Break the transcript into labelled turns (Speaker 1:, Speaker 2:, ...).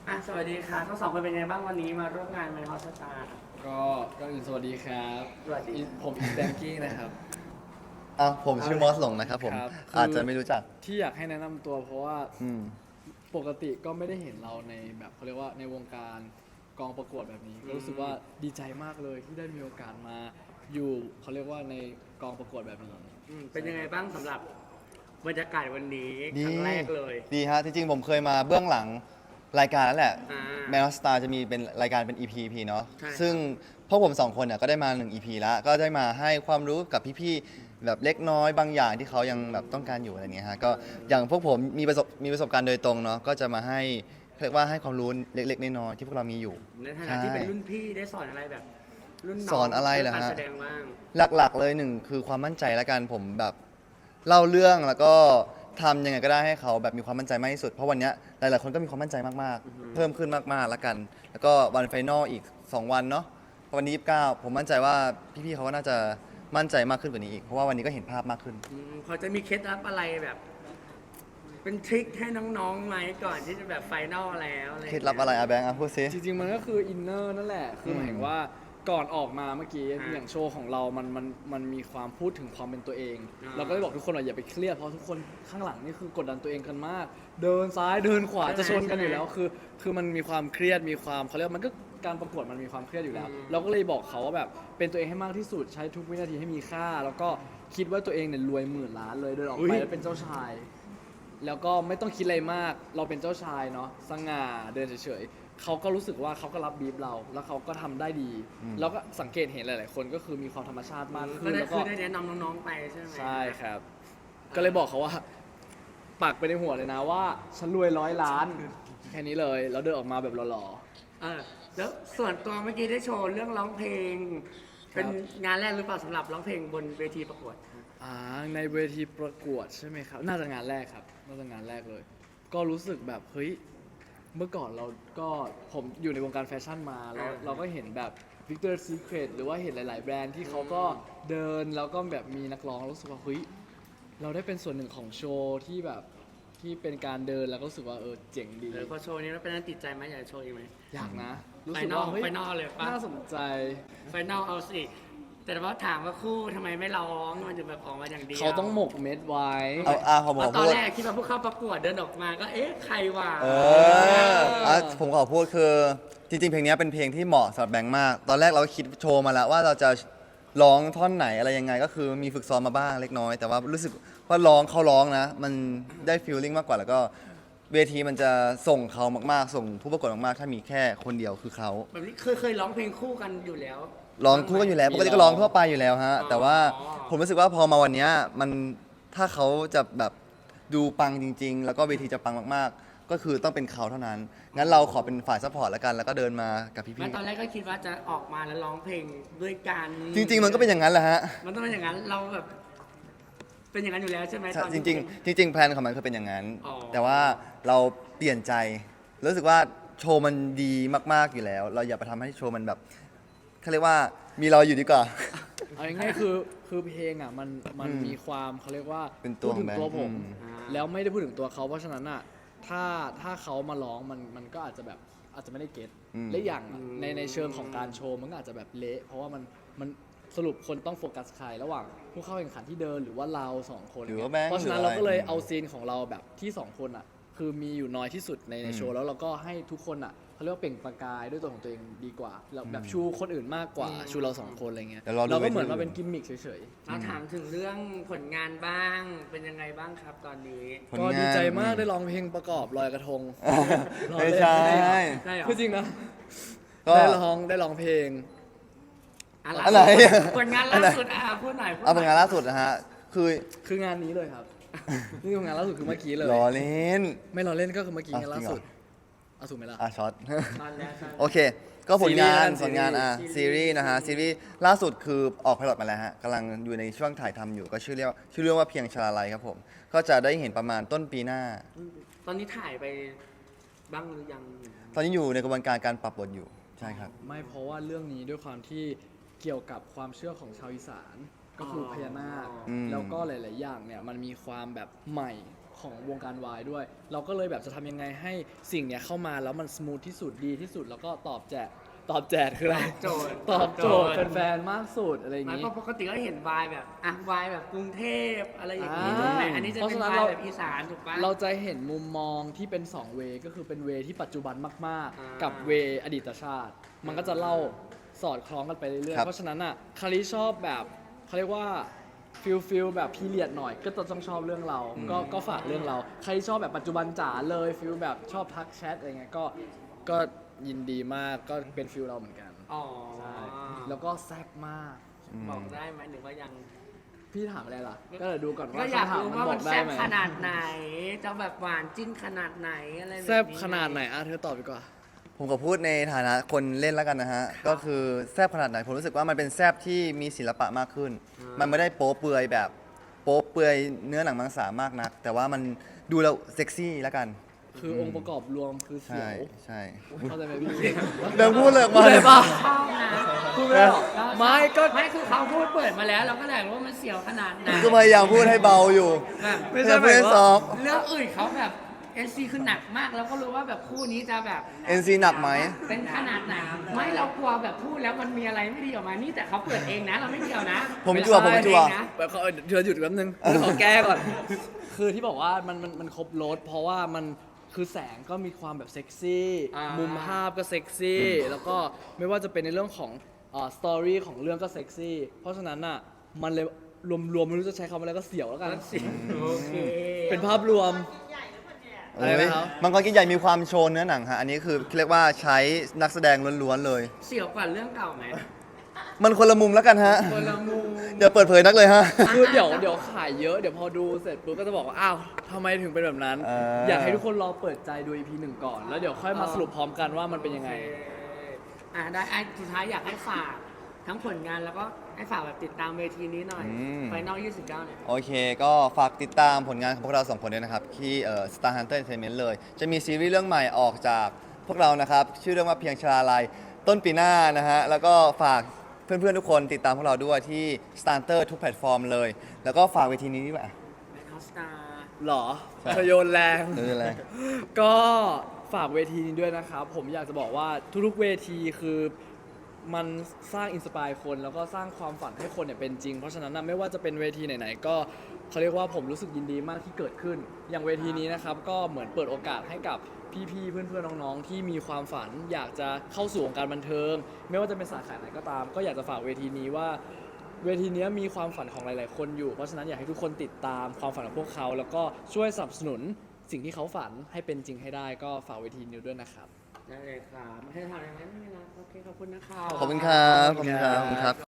Speaker 1: สวัสดีค่ะทั้งสองคนเป็นไงบ้างวันนี้มาร่วมงานไมค์ฮอสตาร์
Speaker 2: ก็ก่อนอื่นสวัสดีครับ
Speaker 1: สวัสดี
Speaker 2: ผมอีแบงกี้นะครับ
Speaker 3: ผมชื่อมอสหลงนะครับผม
Speaker 2: ครับ
Speaker 3: อาจจะไม่รู้จัก
Speaker 2: ที่อยากให้แนะนำตัวเพราะว่า
Speaker 3: อืม
Speaker 2: ปกติก็ไม่ได้เห็นเราในแบบเขาเรียกว่าในวงการกองประกวดแบบนี้ก็รู้สึกว่าดีใจมากเลยที่ได้มีโอกาสมาอยู่เขาเรียกว่าในกองประกวดแบบนี้
Speaker 1: เป็นยังไงบ้างสำหรับบรรยากาศวันนี้ครั้งแรกเลย
Speaker 3: ดีฮะจริงๆผมเคยมาเบื้องหลังรายการนั่นแหละ
Speaker 1: อ่า
Speaker 3: แมวสตาร์จะมีเป็นรายการเป็น EP เนาะ
Speaker 1: ใช่ครับ
Speaker 3: ซึ่งพวกผมสองคนเนี่ยก็ได้มา1 EP แล้วก็ได้มาให้ความรู้กับพี่ๆแบบเล็กน้อยบางอย่างที่เขายังแบบต้องการอยู่อะไรเงี้ยฮะก็อย่างพวกผมมีประสบการณ์โดยตรงเนาะก็จะมาให้เรียกว่าให้ความรู้เล็กๆน้อยๆที่พวกเรามีอยู่
Speaker 1: ในฐานะที่เป็นรุ่นพี่ได้สอนอะไรแบบ รุ่นน้อง
Speaker 3: สอนอะไรเหรอฮะ
Speaker 1: การแสดงบ้าง
Speaker 3: หลักๆเลยหนึ่งคือความมั่นใจละกันผมแบบเล่าเรื่องแล้วก็ทำยังไงก็ได้ให้เขาแบบมีความมั่นใจมากที่สุดเพราะวันเนี้ยหลายๆคนก็มีความมั่นใจมากๆเพิ่มขึ้นมากๆละกัน แล้วก็วันไฟนอลอีก2 วันเนาะวันนี้29ผมมั่นใจว่าพี่ๆเขาก็น่าจะมั่นใจมากขึ้นกว่านี้อีกเพราะว่าวันนี้ก็เห็นภาพมากขึ้น
Speaker 1: พอจะมีเคล็ดลับอะไรแบบ เป็นทริคให้น้องๆไหมก่อนที่จะแบบไฟนอลแล้วอะไร
Speaker 3: เคล็ดลับอะไรอะแบงค์พูดซิ
Speaker 2: จริงๆมันก็คืออินเนอร์นั่นแหละคือหมายถึงว่าก่อนออกมาเมื่อกี้อย่างโชว์ของเรามันมีความพูดถึงความเป็นตัวเอง เราก็เลยบอกทุกคนว่าอย่าไปเครียดเพราะทุกคนข้างหลังนี่คือกดดันตัวเองกันมาก เดินซ้ายเดินขวาจะชนกันอยู่แล้วคือมันมีความเครียดมีความเขาเรียกมันก็การประกวดมันมีความเครียดอยู่แล้ว เราก็เลยบอกเขาว่าแบบเป็นตัวเองให้มากที่สุดใช้ทุกวินาทีให้มีค่า แล้วก็คิดว่าตัวเองเนี่ยรวยหมื่นล้านเลยเดินออกไปแล้วเป็นเจ้าชาย แล้วก็ไม่ต้องคิดอะไรมาก เราเป็นเจ้าชายเนาะสง่าเดินเฉยๆเขาก็รู้สึกว่าเขาก็รับบีฟเรา แล้วเขาก็ทำได้ดี แล้วก็สังเกตเห็นหลายๆคนก็คือมีความธรรมชาติมากขึ้น แล้วก็
Speaker 1: ได้แนะนำน้องๆไปใช่ไหม
Speaker 2: ใช่ครับ ก็เลยบอกเขาว่าปักไปในหัวเลยนะว่าฉันรวย100 ล้านแค่นี้เลย แล้วเดินออกมาแบบหล่อ
Speaker 1: แล้วส่วนตัวเมื่อกี้ได้โชว์เรื่องร้องเพลง เป็นงานแรกหรือเปล่าสำหรับร้องเพลงบนเวทีประกวด
Speaker 2: ในเวทีประกวดใช่ไหมครับ น่าจะงานแรกครับ น่าจะงานแรกเลย ก็รู้สึกแบบเฮ้ย เมื่อก่อนเราก็ผมอยู่ในวงการแฟชั่นมาแล้วเราก็เห็นแบบ Victoria's Secret หรือว่าเห็นหลาย ๆ แบรนด์ที่เขาก็เดินแล้วก็แบบมีนักร้องรู้สึกว่าเฮ้ยเราได้เป็นส่วนหนึ่งของโชว์ที่แบบที่เป็นการเดินแล้วก็รู้สึกว่าเจ๋งดี
Speaker 1: พอโชว์นี้แล้วเป็นนั้นติดใจไหมอยากจะโชว์อีกไหม
Speaker 2: อยากนะ
Speaker 1: ไฟ
Speaker 2: รู้สึก
Speaker 1: นอล
Speaker 2: ว่าเฮ้ย
Speaker 1: ไฟนอลเลยปะ
Speaker 2: น่าสนใจ
Speaker 1: ไฟนอลเอาสิ แต่ว่าถามว่าคู่ทำไมไม่ร้องมันถึงแบบออกมาอย่างเดียว
Speaker 2: เขาต้องหมกเม็ดไว้
Speaker 3: ผมขอ
Speaker 1: ตอ
Speaker 3: พู
Speaker 1: น
Speaker 3: ด
Speaker 1: แรกคิดว่าผู้เข้าประกวดเดินออกมาก็ใครวะ
Speaker 3: ผมขอพูดคือจริงๆเพลงนี้เป็นเพลงที่เหมาะสำหรับแบงค์มาก ตอนแรกเราก็คิดโชว์มาแล้วว่าเราจะร้องท่อนไหนอะไรยังไงก็คือมีฝึกซ้อมมาบ้างเล็กน้อย แต่ว่ารู้สึกว่าเขาร้องนะมันได้ฟีลลิ่งมากกว่าแล้วก็เวทีมันจะส่งเขามากๆส่งผู้ประกวดมากๆถ้ามีแค่คนเดียวคือเขา
Speaker 1: แบบนี้เคยร้องเพลงคู่กันอยู่แล้ว
Speaker 3: ร้องคู่กันอยู่แล้วปกติก็ร้องทั่วไปอยู่แล้วฮะ
Speaker 1: อ๋อ
Speaker 3: แต่ว่าผมรู้สึกว่าพอมาวันเนี้ยมันถ้าเขาจะแบบดูปังจริง ๆ แล้วก็เวทีจะปังมากๆ ก็คือต้องเป็นเขาเท่านั้น งั้นเราขอเป็นฝ่ายซัพพอร์ตแล้วกันแล้วก็เดินมากับพี่
Speaker 1: แม้ตอนแรกก็คิดว่าจะออกมาแล้วร้องเพลงด้วยกัน
Speaker 3: ๆจริง ๆ มันก็เป็นอย่างนั้นแหละฮะ
Speaker 1: มันต้องเป็นอย่างนั้นเราแบบเป็นอย่างนั้นอยู่แล้วใช่ไหมตอน
Speaker 3: จ
Speaker 1: ที่
Speaker 3: ริงๆแพลนของมันคือเป็นอย่างนั้น
Speaker 1: อ๋อ
Speaker 3: แต่ว่าเราเปลี่ยนใจรู้สึกว่าโชว์มันดีมากๆอยู่แล้ว เราอย่าไปทำให้โชว์มันแบบเขาเรียกว่ามีเราอยู่ดีกว่า
Speaker 2: เอาง่ายๆคือเพลงอ่ะมันมีความเขาเรียกว่า
Speaker 3: เป็นตัว
Speaker 2: พูดถึงตัว
Speaker 3: ของแบงค์
Speaker 2: ผม
Speaker 1: อ่า
Speaker 2: แล้วไม่ได้พูดถึงตัวเขาเพราะฉะนั้นอ่ะถ้าเขามาร้องมันก็อาจจะแบบอาจจะไม่ได้เก็ตและอย่างอะในเชิงของการโชว์มันก็อาจจะแบบเละเพราะว่ามันสรุปคนต้องโฟกัสใครระหว่างผู้เข้าแข่งขันที่เดินหรือว่าเราสองคน
Speaker 3: หรือว่าแบงค์
Speaker 2: เพราะฉะนั้น
Speaker 3: หรือ
Speaker 2: เรา
Speaker 3: อะไร
Speaker 2: ก็เลยเอาซีนของเราแบบที่สองคนอ่ะคือมีอยู่น้อยที่สุดในโชว์แล้วเราก็ให้ทุกคนอ่ะเขาเรียกว่าเปล่งประกายด้วยตัวของตัวเองดีกว่าแล้วแบบชูคนอื่นมากกว่าชูเราสองคนอะไรเงี้ย
Speaker 3: เดี๋ยวรอดู
Speaker 2: เราก็เหมือน
Speaker 3: เวที
Speaker 2: มาเป็นกิมมิคเฉย
Speaker 1: เราถามถึงเรื่องผลงานบ้างเป็นยังไงบ้างครับตอนนี้
Speaker 3: ผล
Speaker 2: ๆก็
Speaker 3: งาน
Speaker 2: ดีใจมากได้ร้องเพลงประกอบลอยกระทง
Speaker 3: ไม่ใช่
Speaker 1: ได้เหรอ
Speaker 2: คือจริงนะ
Speaker 3: ก็
Speaker 2: ได้ร้องเพลง
Speaker 3: อะไร
Speaker 1: ผลงานล่าสุดพูดหน่อย
Speaker 3: เอาผลงานล่าสุดนะฮะ
Speaker 2: คืองานนี้เลยครับ นี่คืองานล่าสุดคือเมื่อกี้เลย
Speaker 3: ล้อเล่น
Speaker 2: ไม่รอเล่นก็คือเมื่อกี้
Speaker 3: อ่ะ
Speaker 2: งานล่าสุด
Speaker 3: จริงเหรอ
Speaker 2: เอาถูกไหมล่ะ
Speaker 3: ช็อต
Speaker 1: ตอนแล้วใช่
Speaker 3: โอเค ก็ผลงาน
Speaker 2: ซีรีส์
Speaker 3: ซีรีส์นะฮะ ซีรีส์ล่าสุดคือออกไพลอตมาแล้วฮะกำลังอยู่ในช่วงถ่ายทำอยู่ ก็ชื่อเรื่องว่าเพียงชลาลัยครับผม ก็จะได้เห็นประมาณต้นปีหน้า
Speaker 1: ตอนนี้ถ่ายไปบ้างหรือยัง
Speaker 3: ตอนนี้อยู่ในกระบวนการการปรับบทอยู่ ใช่ครับ
Speaker 2: ไม่เพราะว่าเรื่องนี้ด้วยความที่เกี่ยวกับความเชื่อของชาวอีสานก็คือพญานาค
Speaker 3: อืม
Speaker 2: แล้วก็หลาย ๆ อย่างเนี่ยมันมีความแบบใหม่ของวงการวายด้วย เราก็เลยแบบจะทำยังไงให้สิ่งเนี้ยเข้ามาแล้วมันสมูทที่สุดดีที่สุดแล้วก็ตอบแจกคืออะไร
Speaker 1: โจทย์
Speaker 2: ตอบโจทย์แฟนๆมากสุดอะไรอย่าง
Speaker 1: มัน
Speaker 2: งี้
Speaker 1: ก็ปกติก็เห็นวายแบบวายแบบกรุงเทพอะไรอย่างนี้
Speaker 2: อ่า
Speaker 1: ถูกไหมอันนี้จะ
Speaker 2: เพราะ
Speaker 1: เป็น
Speaker 2: ฉะนั้น
Speaker 1: วาย
Speaker 2: เรา
Speaker 1: แบบอีสานถูกปะ
Speaker 2: เราจะเห็นมุมมองที่เป็น2เวก็คือเป็นเวที่ปัจจุบันมาก
Speaker 1: อ่า
Speaker 2: ๆ กับเวอดีตชาติ มันก็จะเล่าสอดคล้องกันไปเรื่อย
Speaker 3: ครั
Speaker 2: ๆ
Speaker 3: บ
Speaker 2: เพราะฉะนั้นอ่ะคาริชอบแบบเขาเรียกว่าฟิลแบบพีเรียดหน่อยก็จะต้องชอบเรื่องเรา ก็ฝากเรื่องเรา ใครชอบแบบปัจจุบันจ๋าเลยฟิลแบบชอบทักแชทอะไรเงี้ยก็ยินดีมากก็เป็นฟิลเราเหมือนกัน
Speaker 1: อ๋อ
Speaker 2: ใช่แล้วก็แซ่บมาก
Speaker 1: บอกได้ไหมหรือว่ายัง
Speaker 2: พี่ถามอะไรล่ะ ก็เดี๋ยวดูก่อน
Speaker 1: ก็
Speaker 2: ว่า
Speaker 1: อยาก
Speaker 2: คำถาม
Speaker 1: รู้
Speaker 2: มัน
Speaker 1: ว่า
Speaker 2: บ
Speaker 1: มั
Speaker 2: อน กได้
Speaker 1: แซ่บ
Speaker 2: ไหม
Speaker 1: ขนาดไหน จะแบบหวานจิ้นขนาดไหนอะไรแบบนี้
Speaker 2: แซ่บขนาดไหนอ่ะเธอตอบดีกว่า
Speaker 3: ผมก็พูดในฐานะคนเล่นแล้วกันนะฮะ ก็คือแซบขนาดไหน ผมรู้สึกว่ามันเป็นแซบที่มีศิลปะมากขึ้น มันไม่ได้โป๊เปลือยแบบโป๊เปลือยเนื้อหนังมังสามากนัก แต่ว่ามันดูแล้วเซ็กซี่แล้วกัน
Speaker 2: คือองค์ประกอบรวมคือเสี
Speaker 3: ใช่
Speaker 2: ยว
Speaker 3: ใช่
Speaker 2: เข้าใจไหมพี่
Speaker 3: เดินพูดเลยออกมา
Speaker 2: เล
Speaker 3: เลย ย
Speaker 2: ป่ะ
Speaker 1: ชอบนะ
Speaker 2: พูดไม่ได้หรอกไม่ก็
Speaker 1: ไม่คือเขาพูดเปิดมาแล้ว เราก็เลยรู้ว่ามันเสียวขนาดไหน
Speaker 3: ก็พยายามพูดให้เบาอยู่
Speaker 1: แบบ
Speaker 2: ไม่ใช่
Speaker 3: ไม่ได้
Speaker 2: หมายว่า
Speaker 3: ซอฟต์
Speaker 1: เรื่องอื่นเขาแบบ NC คือหนักมากแล้วก็รู้ว่าแบบคู่นี้จะแบบ
Speaker 3: NC หนักไหม
Speaker 1: เป็นขนาดไหนไม่เรากลัวแบบพูดแล้วมันมีอะไรไม่ดีออกมานี่แต่เขาเปิดเองนะ เราไม่เกี่ยวนะ
Speaker 3: ผมจั่วผมจั่ว
Speaker 1: เปิดเองนะ
Speaker 2: แบบเขาเธอหยุดแป๊บนึงขอแก้ก่อน คือที่บอกว่ามันครบรถเพราะว่ามันคือแสงก็มีความแบบเซ็กซี่
Speaker 1: อ่ามุ
Speaker 2: มุมภาพก็เซ็กซี่ แล้วก็ไม่ว่าจะเป็นในเรื่องของสตอรี่ของเรื่องก็เซ็กซี่ เพราะฉะนั้นอ่ะมันเลยรวมๆไม่รู้จะใช้คำอะไรก็เสียวแล้วกัน
Speaker 1: โอเค
Speaker 2: เป็นภาพรวม อะไรนะครับ
Speaker 3: มังกรกินใหญ่มีความโชว์เนื้อหนังฮะ อันนี้คือเรียกว่าใช้นักแสดงล้วนๆเลย
Speaker 1: เสียวกว่าเรื่องเก่าไหม
Speaker 3: มันคนละมุมแล้วกันฮะ
Speaker 1: คนละมุม
Speaker 3: อย่าเปิดเผยนักเลยฮะ
Speaker 2: คือเดี๋ยวขายเยอะเดี๋ยวพอดูเสร็จปุ๊บก็จะบอกว่าอ้าวทำไมถึงเป็นแบบนั้น อยากให้ทุกคนรอเปิดใจดู EP 1 ก่อน แล้วเดี๋ยวค่อยมาสรุปพร้อมกันว่ามันเป็นยังไง
Speaker 1: ได้สุดท้ายอยากให้ฝากทั้งผลงานแล้วก็ให้ฝากแบบติดตามเวทีนี้หน่อย ไฟนอล 29 เนี่ย
Speaker 3: โอเค ก็ฝากติดตามผลงานของพวกเราสองคนด้วยนะครับ ที่Star Hunter Entertainment เลย จะมีซีรีส์เรื่องใหม่ออกจากพวกเรานะครับ ชื่อเรื่องว่าเพียงชลาลัยต้นปีหน้านะฮะ แล้วก็ฝากเพื่อนๆทุกคนติดตามพวกเราด้วยที่ Star Hunter ทุกแพลตฟอร์มเลย แล้วก็ฝากเวทีนี้ด้วย
Speaker 1: แมคคาสตาร์
Speaker 2: หรอ
Speaker 3: ใช่
Speaker 2: เธอโยนแรง
Speaker 3: เรื่องอะไร
Speaker 2: ก็ฝากเวทีนี้ด้วยนะครับ ผมอยากจะบอกว่าทุกๆเวทีคือมันสร้างอินสปายคนแล้วก็สร้างความฝันให้คนเนี่ยเป็นจริง เพราะฉะนั้นนะไม่ว่าจะเป็นเวทีไหนๆก็เขาเรียกว่าผมรู้สึกยินดีมากที่เกิดขึ้น อย่างเวทีนี้นะครับก็เหมือนเปิดโอกาสให้กับพี่ๆเพื่อนๆน้องๆที่มีความฝัน อยากจะเข้าสู่วงการบันเทิง ไม่ว่าจะเป็นสาขาไหนก็ตาม ก็อยากจะฝากเวทีนี้ว่า เวทีนี้มีความฝันของหลายๆคนอยู่ เพราะฉะนั้นอยากให้ทุกคนติดตามความฝันของพวกเขา แล้วก็ช่วยสนับสนุนสิ่งที่เขาฝันให้เป็นจริงให้ได้ก็ฝากเวทีนี้ด้วยนะครับ
Speaker 1: ได้เลยครับให้ทำอะไรไหมไม่มีนะโอเค ขอบคุณนะครับ
Speaker 3: ขอบคุณครับ ขอบคุณครับขอบคุณครับ